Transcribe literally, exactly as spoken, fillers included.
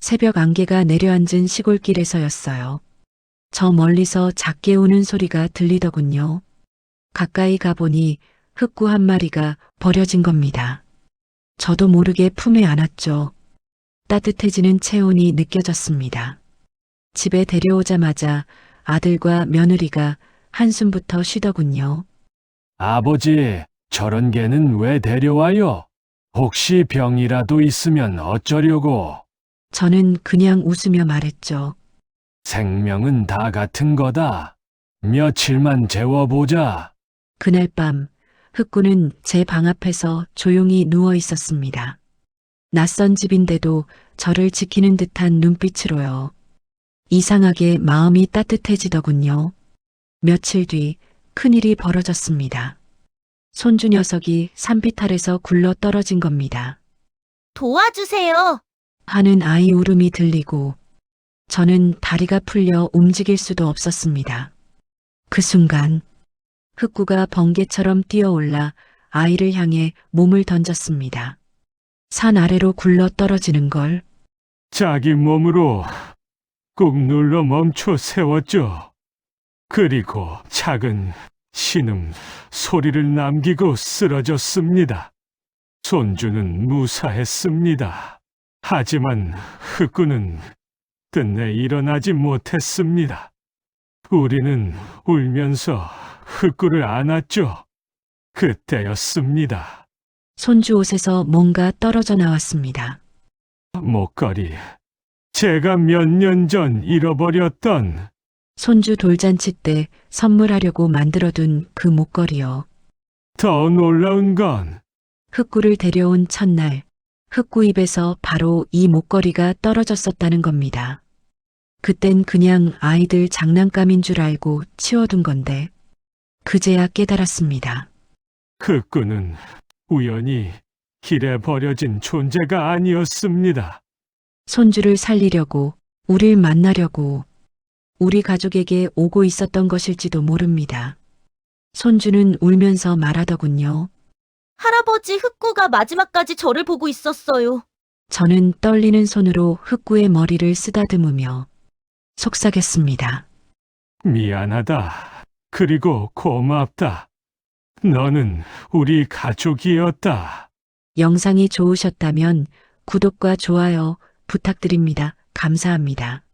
새벽 안개가 내려앉은 시골길에서였어요. 저 멀리서 작게 우는 소리가 들리더군요. 가까이 가보니 흑구 한 마리가 버려진 겁니다. 저도 모르게 품에 안았죠. 따뜻해지는 체온이 느껴졌습니다. 집에 데려오자마자 아들과 며느리가 한숨부터 쉬더군요. 아버지, 저런 개는 왜 데려와요? 혹시 병이라도 있으면 어쩌려고? 저는 그냥 웃으며 말했죠. 생명은 다 같은 거다. 며칠만 재워보자. 그날 밤 흑구는 제 방 앞에서 조용히 누워 있었습니다. 낯선 집인데도 저를 지키는 듯한 눈빛으로요. 이상하게 마음이 따뜻해지더군요. 며칠 뒤 큰일이 벌어졌습니다. 손주 녀석이 산빛 아래서 굴러 떨어진 겁니다. 도와주세요. 하는 아이 울음이 들리고 저는 다리가 풀려 움직일 수도 없었습니다. 그 순간 흑구가 번개처럼 뛰어올라 아이를 향해 몸을 던졌습니다. 산 아래로 굴러 떨어지는 걸 자기 몸으로 꾹 눌러 멈춰 세웠죠. 그리고 작은 신음 소리를 남기고 쓰러졌습니다. 손주는 무사했습니다. 하지만 흑구는 끝내 일어나지 못했습니다. 우리는 울면서 흑구를 안았죠. 그때였습니다. 손주 옷에서 뭔가 떨어져 나왔습니다. 목걸이. 제가 몇 년 전 잃어버렸던 손주 돌잔치 때 선물하려고 만들어둔 그 목걸이요. 더 놀라운 건 흑구를 데려온 첫날 흑구 입에서 바로 이 목걸이가 떨어졌었다는 겁니다. 그땐 그냥 아이들 장난감인 줄 알고 치워둔 건데 그제야 깨달았습니다. 흑구는 우연히 길에 버려진 존재가 아니었습니다. 손주를 살리려고 우릴 만나려고 우리 가족에게 오고 있었던 것일지도 모릅니다. 손주는 울면서 말하더군요. 할아버지 흑구가 마지막까지 저를 보고 있었어요. 저는 떨리는 손으로 흑구의 머리를 쓰다듬으며 속삭였습니다. 미안하다. 그리고 고맙다. 너는 우리 가족이었다. 영상이 좋으셨다면 구독과 좋아요 부탁드립니다. 감사합니다.